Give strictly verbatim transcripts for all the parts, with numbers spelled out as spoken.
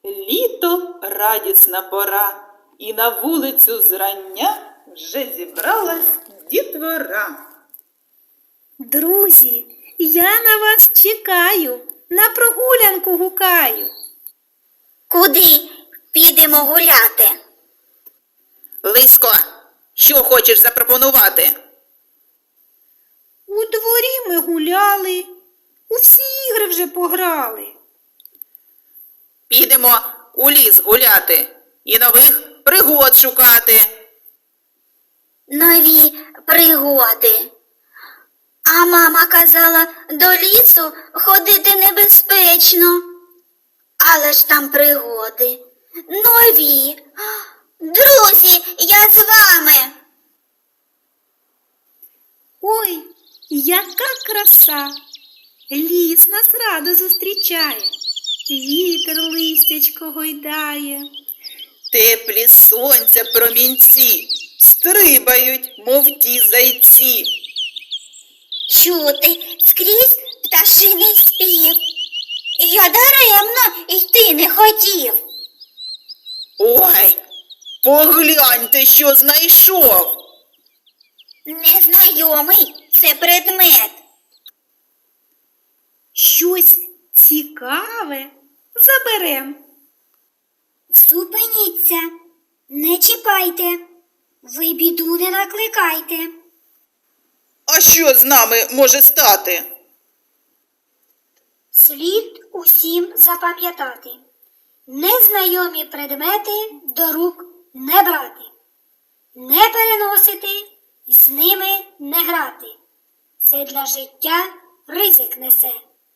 Літо радісна пора, і на вулицю зрання вже зібралась дітвора. Друзі, я на вас чекаю, на прогулянку гукаю. Куди підемо гуляти? Лисько, що хочеш запропонувати? У дворі ми гуляли, у всі ігри вже пограли. Підемо у ліс гуляти і нових пригод шукати. Нові пригоди. А мама казала, до лісу ходити небезпечно. Але ж там пригоди. Нові. Друзі, я з вами. Ой, яка краса! Ліс нас радо зустрічає, вітер листячко гойдає. Теплі сонця промінці стрибають, мов ті зайці. Чути скрізь пташиний спів. Я даремно йти не хотів. Ой, погляньте, що знайшов. Незнайомий це предмет. Щось цікаве заберем. Зупиніться, не чіпайте, ви біду не накликайте. А що з нами може стати? Слід усім запам'ятати. Незнайомі предмети до рук не брати. Не переносити, з ними не грати. Це для життя ризик несе.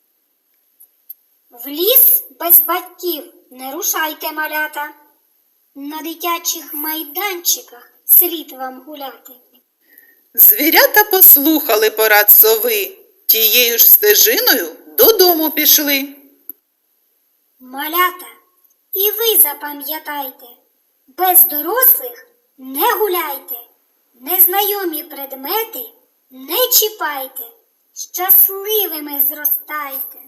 В ліс без батьків не рушайте, малята. На дитячих майданчиках слід вам гуляти. Звірята послухали порад сови, тією ж стежиною додому пішли. Малята, і ви запам'ятайте, без дорослих не гуляйте, незнайомі предмети не чіпайте, щасливими зростайте.